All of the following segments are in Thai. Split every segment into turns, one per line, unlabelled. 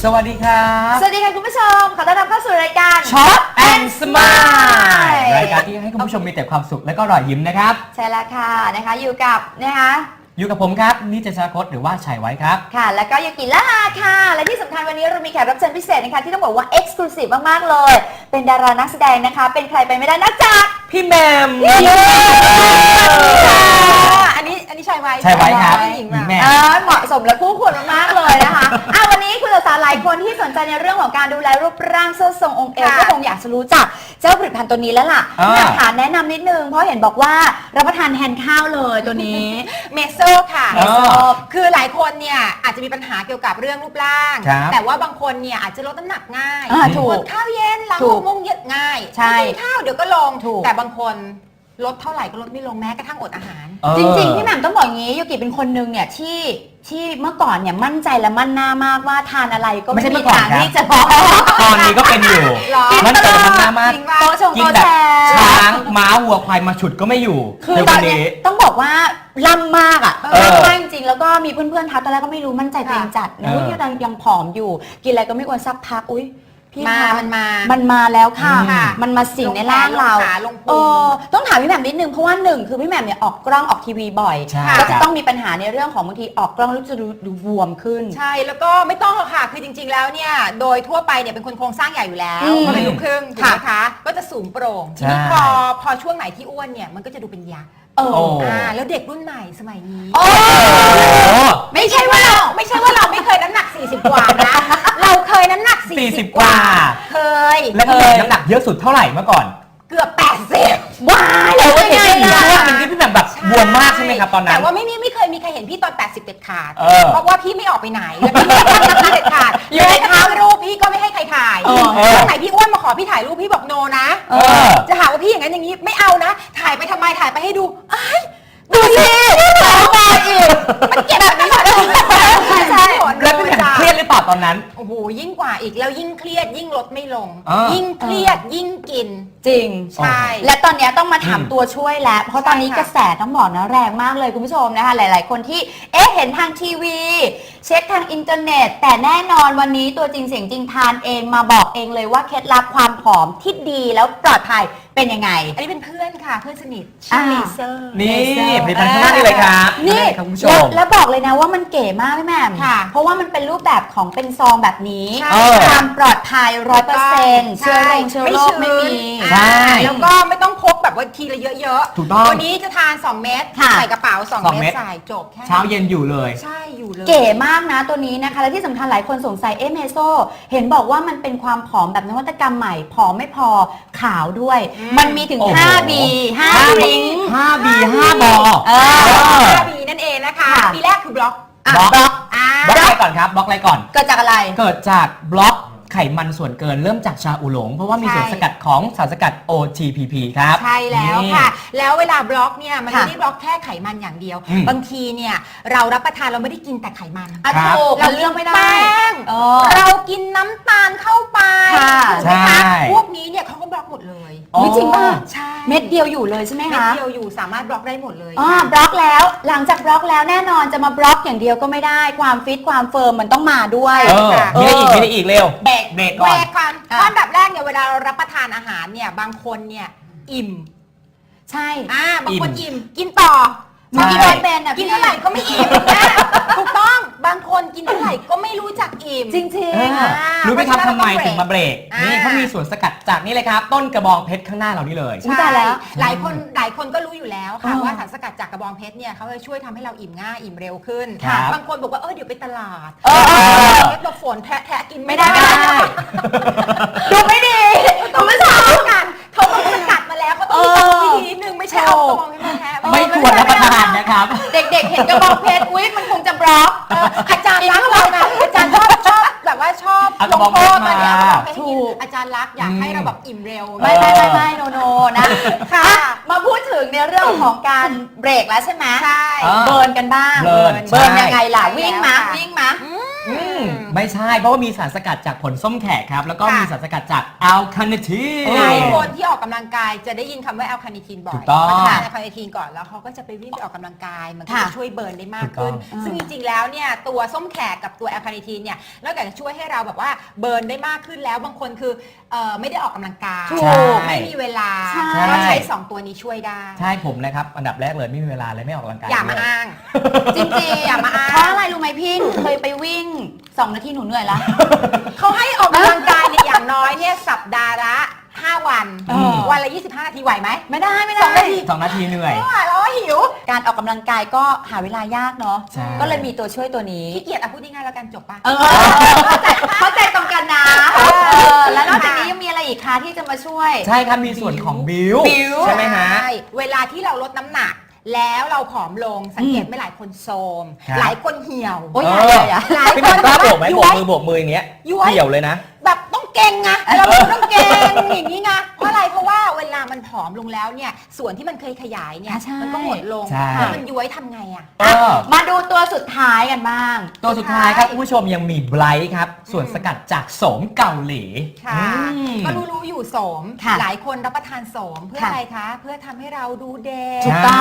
สวัสดีครับ
สวัสดีค่ะคุณผู้ชมขอต้อนรับเข้าสู่รายการ
Shop and Smile รายการที่ให้คุณผู้ชมมีแต่ความสุขและก็รอยยิ้มนะครับ
ใช่แล้วค่ะนะคะอยู่กับ
อยู่กับผมครับนิจชาคตหรือว่าชัยไว้ครับ
ค่ะแล้วก็ยูกิละลาค่ะและที่สำคัญวันนี้เรามีแขกรับเชิญพิเศษนะคะที่ต้องบอกว่าเอ็กซ์คลูซีฟมากๆเลยเป็นดารานักแสดงนะคะเป็นใครไปไม่ได้นอกจาก
พี่แหมม
อันนี้ชัยไว้
ครับ
หญิงแหมเหมาะสมและคู่ควรมากๆเลยนะคะวันนี้คุณสาวๆหลายคนที่สนใจในเรื่องของการดูแลรูปร่างเสื้อทรงองค์เอวก็คงอยากจะรู้จักเจ้าผลิตภัณฑ์ตัวนี้แล้วล่ะอยากถามแนะนำนิดนึงเพราะเห็นบอกว่ารับประทานแทนข้าวเลยตัวนี้
เมโซค่ะคือหลายคนเนี่ยอาจจะมีปัญหาเกี่ยวกับเรื่องรูปร่างแต่ว่าบางคนเนี่ยอาจจะลดน้ำหนักง่าย
ถูก
ข้าวเย็นหลังงงเย็นง่ายกินข้าวเดี๋ยวก็ลงแต่บางคนลดเท่าไหร่ก็ลดไม่ลงแม้กระทั่งอดอาหาร
จริงๆพี่แหม่มต้องบอกอย่างนี้ยูกิเป็นคนนึงเนี่ยที่เมื่อก่อนเนี่ยมั่นใจและมั่นหน้ามากว่าทานอะไรก็ไม่มีทางที่จะพอ
ตอนนี้ก็เป็นอยู่มั่นใจมั่นหน้ามาก
กิน
แบบช้างม้าวัวควายมาฉุดก็ไม่อยู่
คือตอนนี้ต้องบอกว่าล่ำมากอ่ะล่ำมากจริงๆแล้วก็มีเพื่อนๆทักตอนแรกก็ไม่รู้มั่นใจตัวเองจัดนะที่ยังผอมอยู่กินอะไรก็ไม่ควรสักพักอุ้ย
พี่
มันมาแล้วค่ะมันมาสิ่งในร่างเราต้องถามพี่แหม่มนิดนึงเพราะว่าหนึ่งคือพี่แหม่มเนี่ยออกกล้องออกทีวีบ่อยก็จะต้องมีปัญหาในเรื่องของบางทีออกกล้องแล้วจะดูบวมขึ้น
ใช่แล้วก็ไม่ต้องหรอกค่ะคือจริงๆแล้วเนี่ยโดยทั่วไปเนี่ยเป็นคนโครงสร้างใหญ่อยู่แล้วก็เป็นลูกครึ่งถูกไหมคะก็จะสูงโปร่งทีนี้พอช่วงไหนที่อ้วนเนี่ยมันก็จะดูเป็นยักษ์แล้วเด็กรุ่นใหม่สมัยนี้ไม่ใช่ว่าเราไม่เคยน้ำหนัก40กว่านะเราเคยน้ำหนัก40กว่าเคย
แล้วก็น้ำหนักเยอะสุดเท่าไหร่เมื่อก่อน
เกือบ80
ว้ายแล้ว
เห็นพี่ช่วงนึงที่พี่แบบบวมมากใช่ไหมครับตอนนั้น
แต่ว่าไม่เคยมีใครเห็นพี่ตอน80เด็ดขาดเพราะว่าพี่ไม่ออกไปไหนแล้วพี่ไม่เด็ดขาดอยู่ในท้ารูปพี่ก็ไม่ให้ใครถ่ายวันไหนพี่อ้วนมาขอพี่ถ่ายรูปพี่บอกโนนะจะหาว่าพี่อย่างนั้นอย่างนี้ไม่เอานะถ่ายไปทำไมถ่ายไปให้ดูดูสิ
ต่อมาอีก
มันเก็บแบบนี้ใช่
แล้วพี่แหม่มเครียดหรือเปล่าตอนนั้น
โอ้โหยิ่งกว่าอีกแล้วยิ่งเครียดยิ่งลดไม่ลงยิ่งเครียดยิ่งกิน
จริง
ใช่
และตอนนี้ต้องมาถามตัวช่วยแล้วเพราะตอนนี้กระแสต้องบอกนะแรงมากเลยคุณผู้ชมนะคะหลายๆคนที่เห็นทางทีวีเช็คทางอินเทอร์เน็ตแต่แน่นอนวันนี้ตัวจริงเสียงจริงทานเองมาบอกเองเลยว่าเคล็ดลับความผอมที่ดีแล้วปลอดภัยเป็นยังไง
อันนี้เป็นเพื่อนค่ะเพื่อนสนิทชื่อเลเซอร์
นี่ผลิตภัณฑ์ข้างหน้านี่เลยครับ
นี่แล้วบอกเลยนะว่ามันเก๋มากพี่แหม่มเพราะว่ามันเป็นรูปแบบของเป็นซองแบบนี้ความปลอดภัย 100% เชื้อโรคไม่มี
ใช่
แล้วก็ไม่ต้องพกแบบว่าทีละเยอะ
ๆถูกต้อง
วันนี้จะทาน2เม็ดใส่กระเป๋า2เม็ดใส่จบแค่
เช้าเย็นอยู่เลย
ใช่อยู่เลย
เก๋มากนะตัวนี้นะคะและที่สำคัญหลายคนสงสัยเมโซเห็นบอกว่ามันเป็นความผอมแบบนวัตกรรมใหม่ผอมไม่พอขาวด้วยมันมีถึง5B 5 ริ้ง
5B 5 บอ
5B นั่นเองนะคะบีแรกคือบล็อก
อะไรก่อนครับบล็อกอะไรก่อน
เกิดจากอะไร
เกิดจากบล็อกไขมันส่วนเกินเริ่มจากชาอูหลงเพราะว่ามีส่วนสกัดของสารสกัด OTPP ครับ
ใช่แล้วค่ะแล้วเวลาบล็อกเนี่ยมันไม่ได้บล็อกแค่ไขมันอย่างเดียวบางทีเนี่ยเรารับประทานเราไม่ได้กินแต่ไขมัน
เราเลือกไม่ได้
เรากินน้ำตาลเข้าไป
ใช่
พวกนี้เนี่ยเขาก็บล็อกหมดเลย
จริงป่ะ
ใช่
เม็ดเดียวอยู่เลยใช่ไหมคะ
เม็ดเดียวอยู่สามารถบล็อกได้หมดเลย
บล็อกแล้วหลังจากบล็อกแล้วแน่นอนจะมาบล็อกอย่างเดียวก็ไม่ได้ความฟิตความเฟิร์มมันต้องมาด้วย
มีได้อีกเร็วเบรกก่อน
อันดับแรกเนี่ยเวลาเรารับประทานอาหารเนี่ยบางคนเนี่ยอิ่ม
ใช่
บางคนอิ่มกินต่อบางทีเป็นกินเท่าไหร่ก็ไม่อิ่มถูกต้องบางคนกินเท่าไหร่ก็ไม่รู้จักอิ่ม
จริง
รู้ไหมครับทำไมถึงมาเบรกนี่เขามีส่วนสกัดจากนี่เลยครับต้นกระบองเพชรข้างหน้าเรานี่เลย
ใช่แล้ว
หลายคนก็รู้อยู่แล้วค่ะว่าสารสกัดจากกระบองเพชรเนี่ยเขาจะช่วยทำให้เราอิ่มง่ายอิ่มเร็วขึ้นบางคนบอกว่าเดี๋ยวไปตลาดเราฝนแทะกิน
ไม่ได้ดูไม่ดี
ต้องไม่ทำกันเขาต้องสกัดมาแล้วเขาต้องมีวิธีนิดนึงไม่ใช่เอากระบองเพชรมาแทะ
ไม่ควรรับประทานนะครับ
เด็กๆเห็นกระบองเพชรอุ๊ยมันคงจะบล็อก
อาจารย์รักเรานะอาจารย์ชอบแบบว่าชอบลงโทษมาเนี่ยถูกอาจารย์รักอยากให้เราแบบอิ่มเร็ว
ไม่โนนะค่ะมาพูดถึงในเรื่องของการเบรกแล้วใช่ไหม
ใช่
เบิร์นกันบ้างเบิร์นยังไงล่ะวิ่งมา
ไม่ใช่เพราะว่ามีสารสกัดจากผลส้มแขกครับแล้วก็
ค่ะ
มีสารสกัดจากอัลคาเนที
หลายคนที่ออกกำลังกายจะได้ยินคำว่าแอลคาเนทีนบ่อย
ถูกต้อง
เขาทานแอลคาเนทีนก่อนแล้วเขาก็จะไปวิ่งไปออกกำลังกายมันก็
ค่ะ
จะช่วยเบิร์นได้มากขึ้น
ถูกต้อง
ซึ่งจริงๆแล้วเนี่ยตัวส้มแขกกับตัวแอลคาเนทีนเนี่ยนอกจากจะช่วยให้เราแบบว่าเบิร์นได้มากขึ้นแล้วบางคนคือไม่ได้ออกกำลังกาย
ถูก
ไม่มีเวลา
ใช่
ก็ใช้ 2 ตัวนี้ช่วยได้
ใช่ผมนะครับอันดับแรกเลยไม่มีเวลาเลยไม่ออกกำลังกาย
อย่ามา
เลย
อ้าง
จริงๆ
อย่ามาอ้าง
เพราะอะไรรู้ไหมพี่หนูเคยไปวิ่ง 2 นาทีหนูเหนื่อยละ
เขาให้ออกกำลังกายเนี่ยอย่างน้อยเนี่ยสัปดาห์ละ 5 วัน วันละ 25 นาทีไหวไหม
ไม่ได้ไม่
สอง
ได้
นาที
2 นาทีเหนื่อย
ไม่ไหวแล้วหิว
การออกกำลังกายก็หาเวลายากเนาะ
ใช่
ก็เลยมีตัวช่วยตัวนี้
ขี้เกียจอ่ะพูดง่ายๆแล้วกันจบปะ
เข้าใจตรงกันนะแล้วนอกจากนี้ยังมีอะไรอีกคะที่จะมาช่วย
ใช่ครับมีส่วนของบิว
บิว
ใช่ไหมฮะ
ใช่เวลาที่เราลดน้ำหนัก แล้วเราผอมลงสังเกตไหม่หลายคนโทรม
ครับ
หลายคนเหี่ยว
โอ้ย
เอ
อย่า
อ
อย่าอย่า
หลาย
พี่
ค
ห
น
นุ่มกล้าโบกไหม
ย้
โบ
ว
ก
ย
มือโบกมืออย่างเงี้ย
ย้วย
เกี่ยวเลยนะ
แบบต้องเก่งไงเราต้องเก่งอย่างนี้ไงเพราะอะไรเพราะว่าเวลามันผอมลงแล้วเนี่ยส่วนที่มันเคยขยายเนี่ย
ใช่
มันก็หมดลง
ใช่
แล้วมันย้วยทำไงอ่ะ
เออ
มาดูตัวสุดท้ายกันบ้าง
ตัวสุดท้ายครับคุณผู้ชมยังมีไบรท์ครับ ส่วนสกัดจากโสมเกาหลี
ค่ะ
อืม
ก็รู้อยู่โสม
ค่ะ
หลายคนรับประทานโสมเพื่อ
ค่ะ
อะไรคะ เพื่อทำให้เราดูเด็
ถู
ก
กต้อง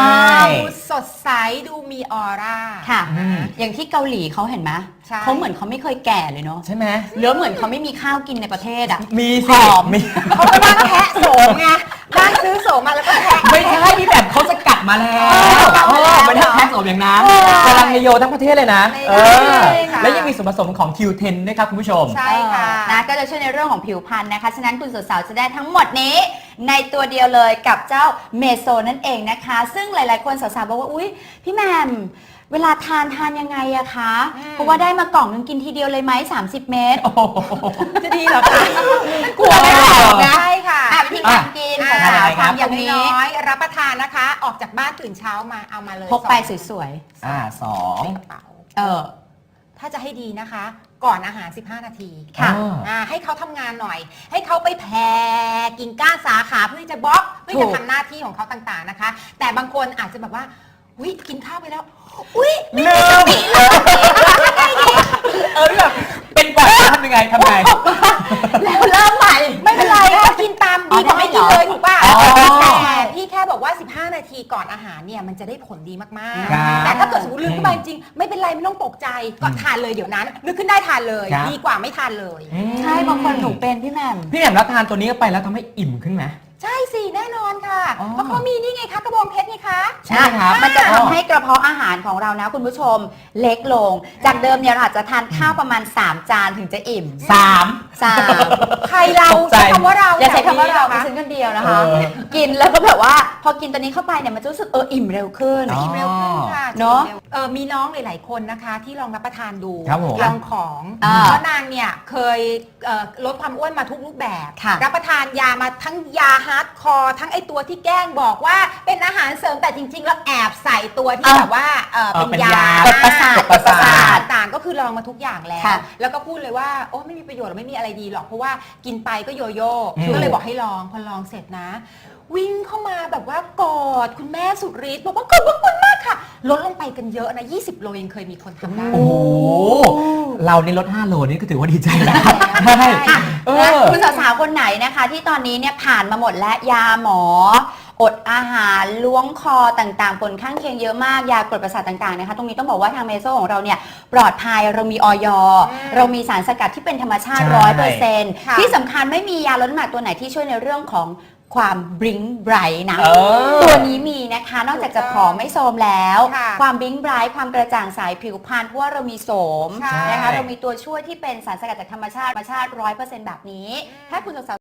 ดูสดใสดูมีออร่า
ค่ะ
อืม
อย่างที่เกาหลีเขาเห็นไหม
ใช่
เขาเหมือนเขาไม่เคยแก่เลยเนาะ
ใช่ไหม
หรือเหมือนเขาไม่มีข้าวกินในประเทศอ่ะ
มี
ผ
สิ
อม
มี
เขาก็นั่งแทะโสมไงนั่งซื้อโสมมาแล้วก็แทะ
ไม่ใช่พี่แบบเขาสกัดมาแล้ว ไม่ได้แพ็คโสมอย่างนั้น
เออ
กำลังเฮโยทั้งประเทศเลยนะ
ไม่
เอ
ได้
อ
ค่ะ
แล้วยังมีส่วนผสมของ Q10 ด้วยครับคุณผู้ชม
ใช่ค่ะ
นะก็จะช่วยในเรื่องของผิวพรรณนะคะ ฉะนั้นคุณสาวๆจะได้ทั้งหมดนี้ ในตัวเดียวเลยกับเจ้าเมโซนั่นเองนะคะ ซึ่งหลายๆคนสาวๆบอกว่าอุ๊ยพี่แหมมเวลาทานยังไงอะคะ เพราะว่าได้มากล่องนึงกินทีเดียวเลยไหม30 เม็ด
โอ้โห
จะดีเหรอคะ
กลัวไม่ออกนะ
ใช่ค่ะ
วิธีการกิน
อ่า
สาว
ครั
ๆ
บ
ทำอย่างนี้
น้อยๆรับประทานนะคะ ออกจากบ้านตื่นเช้ามาเอามาเลย
พกไป
สอง
สวย
สอง
ในกระเป๋า
ๆ
ถ้าจะให้ดีนะคะ ก่อนอาหาร 15 นาที
ค่ะ
ให้เขาทำงานหน่อย ให้เขาไปแผ่กิ่งก้านสาขาเพื่อที่จะบล็อกเพื่อ
ถู
จะ
ก
ทำหน้าที่ของเขาต่างๆนะคะ แต่บางคนอาจจะแบบว่าอุ้ยกินข้าวไปแล้วอุ้ย
ลืมแบบเป็นแบบทำยังไง
แล้วเริ่มใหม่
ไม่เป็นไรก็กินตามดีกว่าไม่กินเลยถูกป่ะ
อ๋อ
แต่พี่แค่บอกว่า 15 นาทีก่อนอาหารเนี่ยมันจะได้ผลดีมาก
ครับ
ๆ แต่ถ้าเกิดสมมติลืมขึ้นมาจริงๆไม่เป็นไรไม่ต้องตกใจก็ทานเลยเดี๋ยวนั้นนึกขึ้นได้ทานเลย
ครับ
ดีกว่าไม่ทานเลย
ใช่บางคนหนูเป็นพี่แหมม
พี่แหม่มรับทานตัวนี้เข้าไปแล้วทำให้อิ่มขึ้นไหม
ใช่สิแน่นอนค่ะ
อ๋อ
เพราะเขามีนี่ไงคะกระบองเพชรไงคะ
ใช่ครับ
มันจะทำให้กระเพาะอาหารของเรานะคุณผู้ชมเล็กลง จากเดิมเนี่ยเราอาจจะทานข้าวประมาณ 3 จานถึงจะอิ่ม
3
3
ใครเรา
ตกใจ
ใช้คำว่าเรา
อย่าใช้คำว่าเรา
แถ
ดิ
นี้
ฉันคนเดียวนะคะ
เออ
กินแล้วก็แบบว่าพอกินตัวนี้เข้าไปเนี่ยมันจะรู้สึกอิ่มเร็วขึ้น
อ๋อ
กินเร็วขึ้นค่ะ
เนอะ
มีน้องหลาย ๆ คนนะคะที่ลองรับประทานดู
ครับผม
ลองของ
อ่า
เพราะนางเนี่ยเคยลดความอ้วนมาทุกรูปแบบ
ค่ะ
รับประทานยามาทั้งยาฮาร์ดคอร์ทั้งไอตัวที่แกล้งบอกว่าเป็นอาหารเสริมแต่จริง ๆ แล้วแอบใส่ตัวที่แบบว่าเป็นยา
กดประสาท
กดประสาท
ต่างๆก็คือลองมาทุกอย่างแล้ว
ค่ะ
แล้วก็พูดเลยว่าโอ้ไม่มีประโยชน์หรอกไม่มีอะไรดีหรอกเพราะว่ากินไปก็โยโย่
อืม
ก็เลยบอกให้ลองพอลองเสร็จนะ วิ่งเข้ามาแบบว่ากอดคุณแม่สุดฤทธิ์บอกว่าขอบคุณมากค่ะ ลดลงไปกันเยอะนะ20 โลยังเคยมีคนทำได้
โอ้โหเรานี่ลด 5 โลนี่ก็ถือว่าดีใจแล้ว
ใช่
ใช่เอ
นะ
อ
คุณสาวๆคนไหนนะคะ ที่ตอนนี้เนี่ยผ่านมาหมดและยาหมอ อดอาหารล้วงคอต่างๆผลข้างเคียงเยอะมากยากดประสาทต่างๆนะคะตรงนี้ต้องบอกว่าทางเมโซของเราเนี่ยปลอดภัยเรามีออย เรามีสารสกัดที่เป็นธรรมชาติ
ใช่
100%
ค่ะ
ที่สำคัญไม่มียาลดน้ำหนักตัวไหนที่ช่วยในเรื่องของความบลิงไบรท์นะ
เออ
ตัวนี้มีนะคะนอกจากจะผอมไม่โทรมแล้ว
ค่ะ
ความบลิงไบรท์ความกระจ่างใสผิวพรรณเพราะว่าเรามีโสม
ใช่
นะคะเรามีตัวช่วยที่เป็นสารสกัดจากธรรมชาติ100%แบบนี้ ถ้าคุณสาว